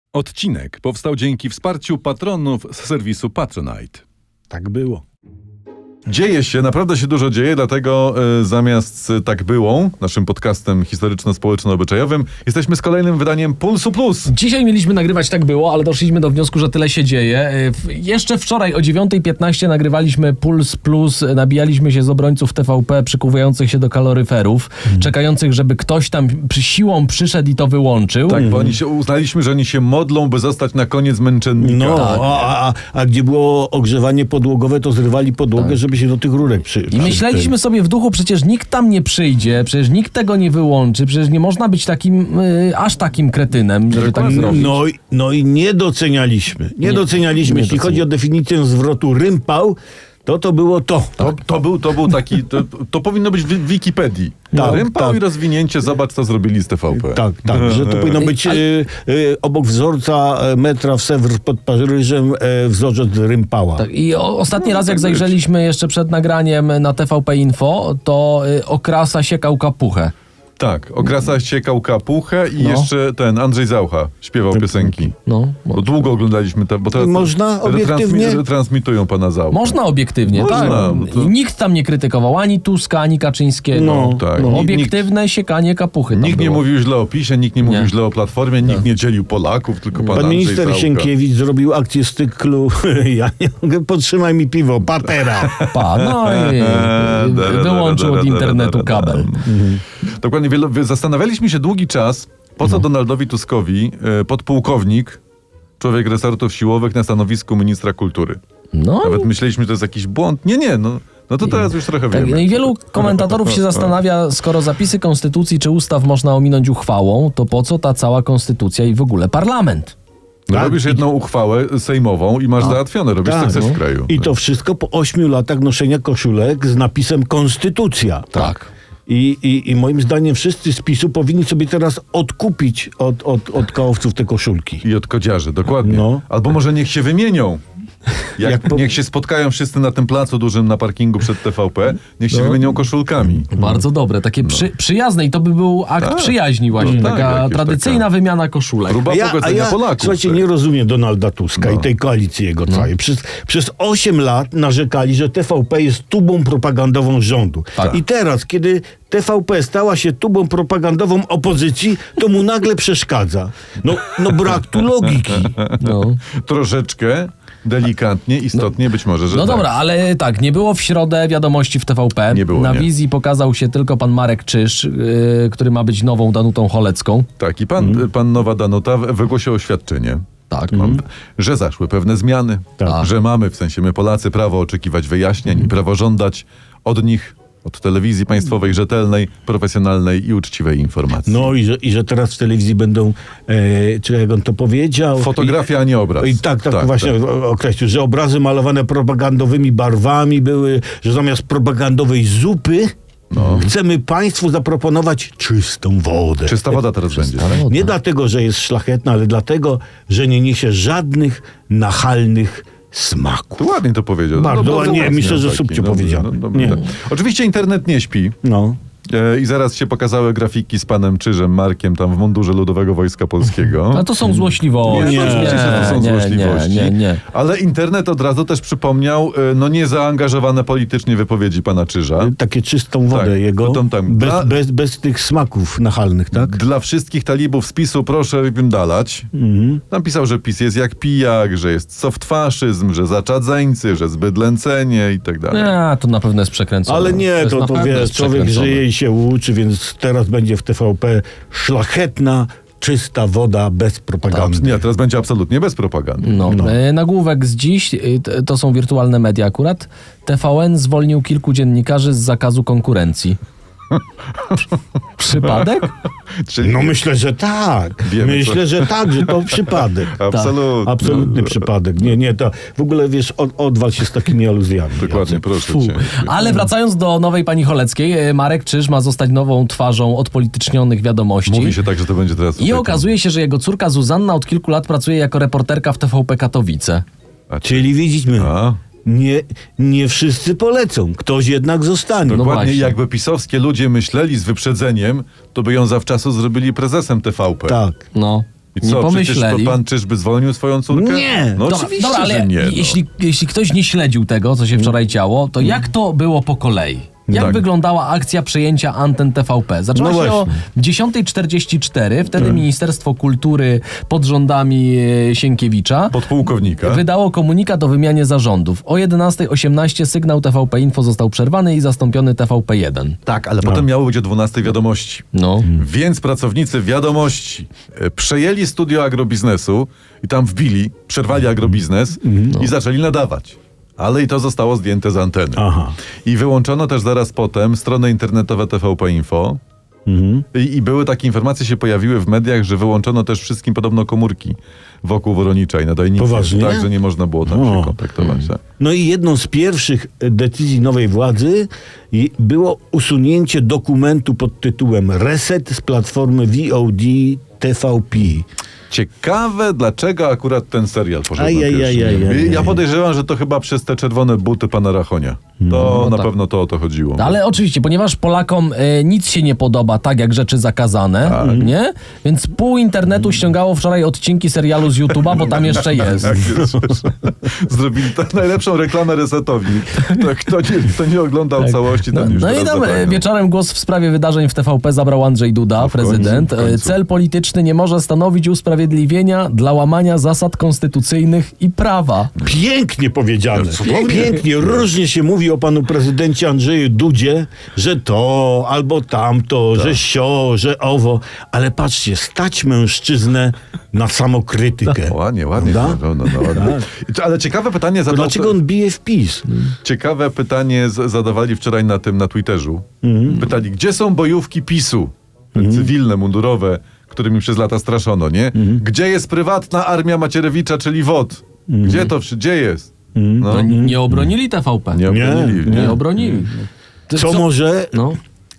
Odcinek powstał dzięki wsparciu patronów z serwisu Patronite. Tak było. Dzieje się, naprawdę się dużo dzieje, dlatego zamiast Tak było, naszym podcastem historyczno-społeczno-obyczajowym, jesteśmy z kolejnym wydaniem Pulsu Plus. Dzisiaj mieliśmy nagrywać Tak było, ale doszliśmy do wniosku, że tyle się dzieje. Jeszcze wczoraj o 9:15 nagrywaliśmy Puls Plus, nabijaliśmy się z obrońców TVP przykuwających się do kaloryferów, czekających, żeby ktoś tam siłą przyszedł i to wyłączył. Tak, bo uznaliśmy, że oni się modlą, by zostać na koniec męczennika. No, Tak. a gdzie było ogrzewanie podłogowe, to zrywali podłogę, żeby się do tych rurek I myśleliśmy sobie w duchu, przecież nikt tam nie przyjdzie, przecież nikt tego nie wyłączy, przecież nie można być takim, aż takim kretynem, żeby tak zrobić. No i nie docenialiśmy. Nie docenialiśmy. Jeśli chodzi o definicję zwrotu rympał, to było to. To był taki, to powinno być w Wikipedii. Tak, Rympał tak. i rozwinięcie, zobacz co zrobili z TVP. Tak, że to powinno być obok wzorca metra w Sewr pod Paryżem wzorzec rympała. Tak, i ostatni raz, jak zajrzeliśmy jeszcze przed nagraniem na TVP Info, to Okrasa siekał kapuchę. Tak, Okrasa siekał kapuchę i jeszcze Andrzej Zaucha śpiewał piosenki. No, Bo długo oglądaliśmy to, bo teraz Można obiektywnie? transmitują pana Zaucha. można obiektywnie, Można, tak. to- Nikt tam nie krytykował ani Tuska, ani Kaczyńskiego. No, tak. Obiektywne siekanie kapuchy tam Nikt nie było. mówił źle o PiS-ie, nikt nie mówił Nie. źle o Platformie, nikt nie dzielił Polaków, tylko pan Pan Andrzej minister Zaucha. Sienkiewicz zrobił akcję z cyklu ja nie mogę, podtrzymaj mi piwo, patera. No i wyłączył od internetu kabel. Dokładnie, zastanawialiśmy się długi czas, po co Donaldowi Tuskowi podpułkownik, człowiek resortów siłowych na stanowisku ministra kultury. No Nawet myśleliśmy, że to jest jakiś błąd. Nie, no to teraz już trochę tak, wiemy. i wielu komentatorów się zastanawia, skoro zapisy konstytucji czy ustaw można ominąć uchwałą, to po co ta cała konstytucja i w ogóle parlament? No Tak. robisz jedną uchwałę sejmową i masz załatwione, robisz sukces w kraju. I to wszystko po 8 latach noszenia koszulek z napisem Konstytucja. Tak. I moim zdaniem wszyscy z PiS-u powinni sobie teraz odkupić od kałowców te koszulki. I od kodziarzy, dokładnie. No. Albo może niech się wymienią. Jak Niech się spotkają wszyscy na tym placu dużym na parkingu przed TVP, niech się wymienią koszulkami. Bardzo dobre, takie przyjazne i to by był akt przyjaźni właśnie, No tak, taka jakieś tradycyjna wymiana koszulek. Próba pogodzenia Polaków. słuchajcie, tak. nie rozumiem Donalda Tuska i tej koalicji jego całej. Przez 8 lat narzekali, że TVP jest tubą propagandową rządu. Tak. I teraz, kiedy TVP stała się tubą propagandową opozycji, to mu nagle przeszkadza. No brak tu logiki. No. Troszeczkę, delikatnie, istotnie być może, że No tak. dobra, ale tak, nie było w środę wiadomości w TVP. Nie było, Na nie. wizji pokazał się tylko pan Marek Czyż, który ma być nową Danutą Cholecką. Tak, i pan Nowa Danuta wygłosił oświadczenie, Tak. że zaszły pewne zmiany, Tak. że mamy, w sensie my Polacy, prawo oczekiwać wyjaśnień i prawo żądać od nich, od telewizji państwowej, rzetelnej, profesjonalnej i uczciwej informacji. No i że teraz w telewizji będą, czy jak on to powiedział? Fotografia, a nie obraz. I tak właśnie określił, że obrazy malowane propagandowymi barwami były, że zamiast propagandowej zupy chcemy państwu zaproponować czystą wodę. Czysta woda teraz będzie. Nie dlatego, że jest szlachetna, ale dlatego, że nie niesie żadnych nachalnych smaków. To ładnie to powiedział. Bardzo ładnie, mocno myślę, że taki, subcio dobry, powiedziałem. dobry, Nie. tak. Oczywiście internet nie śpi. No. I zaraz się pokazały grafiki z panem Czyżem, Markiem, tam w mundurze Ludowego Wojska Polskiego. A to są złośliwości. Oczywiście, że to są złośliwości. Nie. Ale internet od razu też przypomniał niezaangażowane politycznie wypowiedzi pana Czyża. Takie czystą wodę Tak, jego, to tam bez tych smaków nachalnych, tak? Dla wszystkich talibów z PiS-u proszę dalać. Tam pisał, że PiS jest jak pijak, że jest softfaszyzm, że zaczadzeńcy, że zbydlęcenie i tak dalej. Nie, to na pewno jest przekręcone. Ale nie, jest na to pewno wiesz, jest człowiek przekręcone. żyje i się uczy, więc teraz będzie w TVP szlachetna, czysta woda bez propagandy. Nie, teraz będzie absolutnie bez propagandy. No. Nagłówek z dziś, to są wirtualne media akurat. TVN zwolnił kilku dziennikarzy z zakazu konkurencji. Przypadek? Czyli No myślę, że tak. Wiemy, Myślę, że tak, że to przypadek. absolutnie. Absolutny przypadek. Nie, to w ogóle wiesz, odwal się z takimi aluzjami. Dokładnie, Jacek. proszę Fu. cię. Ale wracając do nowej pani Choleckiej, Marek Czyż ma zostać nową twarzą odpolitycznionych wiadomości. Mówi się tak, że to będzie teraz... I tutaj okazuje się, że jego córka Zuzanna od kilku lat pracuje jako reporterka w TVP Katowice. Czyli widzimy, A? nie wszyscy polecą. Ktoś jednak zostanie. No Dokładnie, właśnie. jakby pisowskie ludzie myśleli z wyprzedzeniem, to by ją zawczasu zrobili prezesem TVP. Tak. No. I nie co, pomyśleli. przecież pan czyżby zwolnił swoją córkę? Nie. No Dobra, oczywiście, ale że nie. No. jeśli ktoś nie śledził tego, co się wczoraj działo, to jak to było po kolei? Jak Tak. wyglądała akcja przejęcia anten TVP? Zaczęła No się o 10:44. Wtedy Ministerstwo Kultury pod rządami Sienkiewicza Podpułkownika. wydało komunikat o wymianie zarządów. O 11:18 sygnał TVP Info został przerwany i zastąpiony TVP1. Tak, ale potem miało być o 12 wiadomości. No. Więc pracownicy wiadomości przejęli studio agrobiznesu i tam wbili, przerwali agrobiznes i zaczęli nadawać. Ale i to zostało zdjęte z anteny. Aha. I wyłączono też zaraz potem stronę internetowe TVP Info. I były takie informacje, się pojawiły w mediach, że wyłączono też wszystkim podobno komórki wokół Woronicza i nadajniki. Poważnie? Tak, że nie można było tam O. się kontaktować. Tak. No i jedną z pierwszych decyzji nowej władzy było usunięcie dokumentu pod tytułem Reset z platformy VOD TVP. Ciekawe, dlaczego akurat ten serial poszedł na pierwszy. Ajajajajaj. Ja podejrzewam, że to chyba przez te czerwone buty pana Rachonia. To na tak. pewno to o to chodziło. Ale oczywiście, ponieważ Polakom nic się nie podoba, tak jak rzeczy zakazane, nie? Więc pół internetu ściągało wczoraj odcinki serialu z YouTube'a, bo tam jeszcze jest. Tak jest. Zrobili tak najlepszą reklamę resetowi. To kto nie oglądał całości, ten już No i teraz tam zabrania. wieczorem głos w sprawie wydarzeń w TVP zabrał Andrzej Duda, w końcu, prezydent. w końcu. Cel polityczny nie może stanowić usprawiedliwienia dla łamania zasad konstytucyjnych i prawa. Pięknie powiedziane. Cudownie. Pięknie. Różnie się mówi o panu prezydencie Andrzeju Dudzie, że to albo tamto, że sio, że owo. Ale stać mężczyznę na samokrytykę. Ładnie. Prawda? No, ładnie. Ale ciekawe pytanie To zadał... dlaczego on bije w PiS? Ciekawe pytanie zadawali wczoraj na Twitterzu. Pytali, gdzie są bojówki PiS-u? Cywilne, mundurowe, którymi przez lata straszono, nie? Gdzie jest prywatna armia Macierewicza, czyli WOT? Gdzie jest? No, No, nie obronili TVP. nie obronili. Nie obronili. Co może No.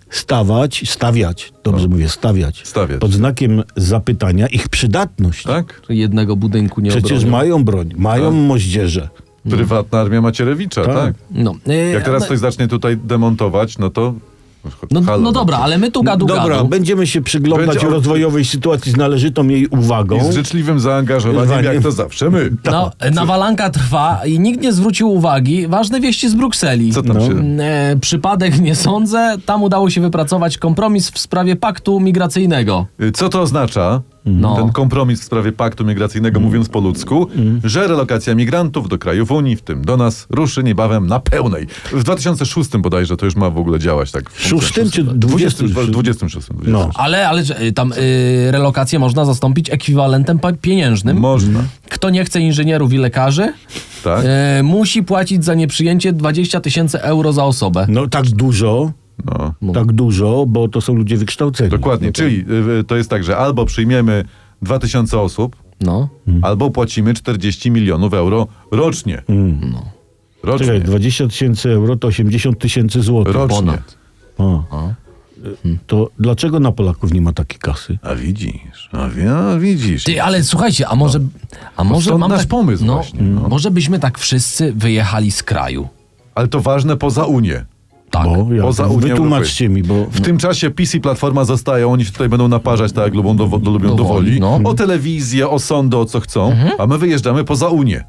stawiać, dobrze mówię, stawiać, pod znakiem zapytania ich przydatność. Tak? Jednego budynku nie Przecież obronią. mają broń, mają moździerze. Prywatna armia Macierewicza, tak? No. Jak teraz ktoś zacznie tutaj demontować, no to... Halo, No dobra, ale my tu gadu. Dobra, będziemy się przyglądać Będzie- rozwojowej sytuacji z należytą jej uwagą. I z życzliwym zaangażowaniem, jak to zawsze my. No, nawalanka trwa i nikt nie zwrócił uwagi. Ważne wieści z Brukseli. Co tam się... Przypadek nie sądzę. Tam udało się wypracować kompromis w sprawie paktu migracyjnego. Co to oznacza? No. Ten kompromis w sprawie paktu migracyjnego, mówiąc po ludzku, że relokacja migrantów do krajów Unii, w tym do nas, ruszy niebawem na pełnej. W 2006 bodajże to już ma w ogóle działać, tak? W Szóstym czy 26? 26? 26. No. Ale że, tam relokację można zastąpić ekwiwalentem pieniężnym. Można, Kto nie chce inżynierów i lekarzy, tak? musi płacić za nieprzyjęcie 20 000 euro za osobę. No tak dużo, No. tak dużo, bo to są ludzie wykształceni. Dokładnie, czyli to jest tak, że albo przyjmiemy 2000 osób, No. albo płacimy 40 milionów euro rocznie. Rocznie. Czekaj, 20 000 euro to 80 000 złotych. Rocznie. ponad. O. To dlaczego na Polaków nie ma takiej kasy? A widzisz. Ty, ale słuchajcie, a może stąd mam nasz pomysł właśnie, no. Może byśmy tak wszyscy wyjechali z kraju. Ale to ważne poza Unię. Tak. Bo jak? Poza Unią Wytłumaczcie mi, bo W tym czasie PiS i Platforma zostają, oni się tutaj będą naparzać tak jak lubią lubią do woli. No. O telewizję, o sądy, o co chcą, a my wyjeżdżamy poza Unię.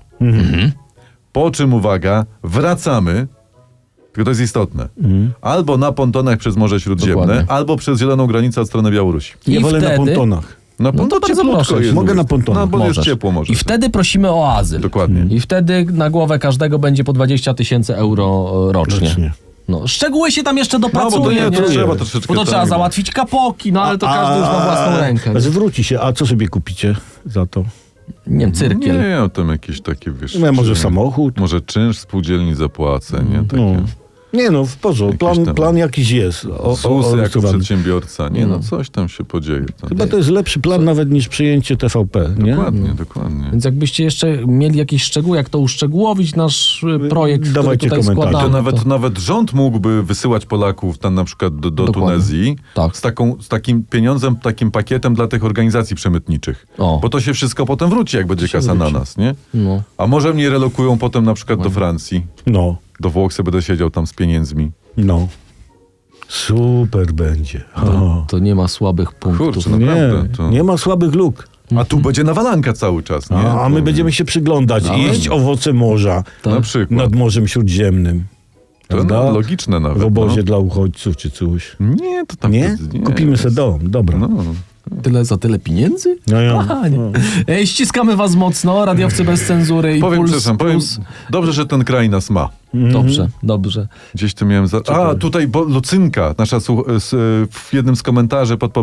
Po czym, uwaga, wracamy, tylko to jest istotne, albo na pontonach przez Morze Śródziemne, Dokładnie. albo przez zieloną granicę od strony Białorusi. ja I wolę na wtedy- pontonach. No to bardzo cieplutko proszę. jest. Mogę na pontonach. No bo jest Możesz. ciepło może. I wtedy prosimy o azyl. Dokładnie. I wtedy na głowę każdego będzie po 20 000 euro rocznie. Rocznie. No, szczegóły się tam jeszcze dopracuje. No bo to nie, to nie? trzeba troszeczkę Bo to trzeba tam- załatwić kapoki, no ale to każdy już ma własną rękę. Zwróci się, a co sobie kupicie za to? Nie wiem, cyrkiel. Nie, tam jakieś takie, wiesz... No, może czy- samochód? Może czynsz spółdzielni zapłacę, nie? Takie... No. Nie no, w porządku. Jakieś tam- Plan jakiś jest. ZUS jako orysowany. przedsiębiorca. Nie no, coś tam się podzieje. Tam. Chyba to jest lepszy plan nawet niż przyjęcie TVP, nie? Dokładnie. Więc jakbyście jeszcze mieli jakieś szczegóły, jak to uszczegółowić nasz projekt, który Dawajcie tutaj komentarze. składamy. To nawet rząd mógłby wysyłać Polaków tam na przykład do Dokładnie. Tunezji Tak. z takim pieniądzem, takim pakietem dla tych organizacji przemytniczych. O. Bo to się wszystko potem wróci, jak będzie kasa na nas, nie? No. A może mnie relokują potem na przykład do Francji, No, do Włoch sobie będę siedział tam z pieniędzmi. no. Super będzie. O. To nie ma słabych punktów. Kurczę, Nie, naprawdę. To... nie ma słabych luk. A tu będzie nawalanka cały czas, nie? A my będziemy się przyglądać i jeść owoce morza Na przykład. nad Morzem Śródziemnym. To Prawda? logiczne nawet. W obozie no. dla uchodźców czy coś. Nie, to tam... Nie? Kupimy sobie dom. Dobra. No. Tyle za tyle pieniędzy? No ja. Aha, nie. Ściskamy was mocno, radiowcy bez cenzury i Powiem, Puls przepraszam, Plus. dobrze, że ten kraj nas ma. Dobrze, dobrze. Gdzieś tu miałem... A, tutaj Lucynka, nasza w jednym z komentarzy pod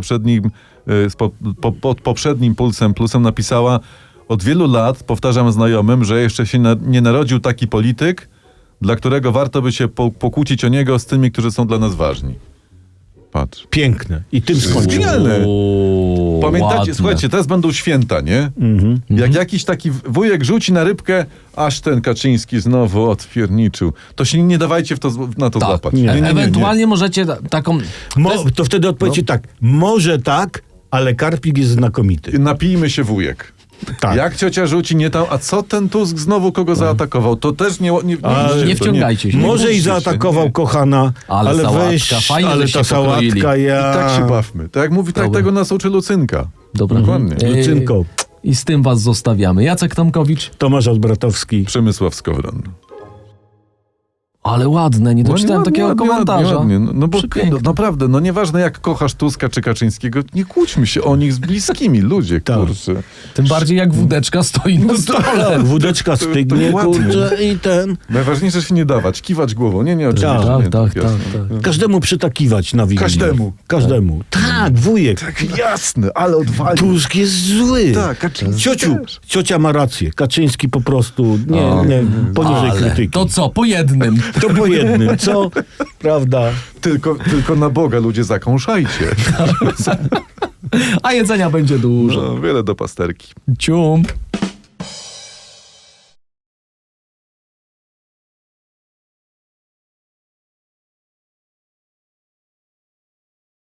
poprzednim Pulsem Plusem napisała: od wielu lat powtarzam znajomym, że jeszcze się nie narodził taki polityk, dla którego warto by się pokłócić o niego z tymi, którzy są dla nas ważni. Patrz. Piękne. I tym skończymy. Genialne. O, Pamiętacie, ładne. słuchajcie, teraz będą święta, nie? Jak jakiś taki wujek rzuci na rybkę, aż ten Kaczyński znowu odpierniczył. To się nie dawajcie na to Tak. złapać. Nie. Ewentualnie możecie taką... To wtedy odpowiecie tak. Może tak, ale Karpik jest znakomity. Napijmy się, wujek. Tak. Jak ciocia rzuci nie tam, a co ten Tusk znowu kogo zaatakował? To też Nie wciągajcie się. Może i bójcie się, zaatakował nie. kochana, Ale sałatka, weź, fajnie, ale że ta się pokroili. sałatka, ja... I tak się bawmy. Tak jak mówi, tak Dobra. tego nas uczy Lucynka. Dobra. Dokładnie. Lucynko, I z tym was zostawiamy. Jacek Tomkowicz. Tomasz Odbratowski. Przemysław Skowron. Ale ładne, nie doczytałem ładnie, takiego ładnie, komentarza. ładnie. No bo Przepiękne. naprawdę, no nieważne jak kochasz Tuska czy Kaczyńskiego, nie kłóćmy się o nich z bliskimi, ludzie, Tak. kurczę. Tym bardziej jak wódeczka stoi na stole. Wódeczka stygnie, dokładnie. kurczę, i ten... Najważniejsze się nie dawać, kiwać głową. Nie, oczywiście. Tak, nie, tak, jasne. tak. Każdemu przytakiwać na Wigilię. Każdemu. Tak, wujek. Tak, jasne, ale odwalił. Tusk jest zły. Tak, Kaczyński Ciociu, też. ciocia ma rację. Kaczyński po prostu nie poniżej Ale krytyki. to co, po jednym. To po jednym, co? Prawda. Tylko na Boga ludzie zakąszajcie. A jedzenia będzie dużo. No, wiele do pasterki. Ciump.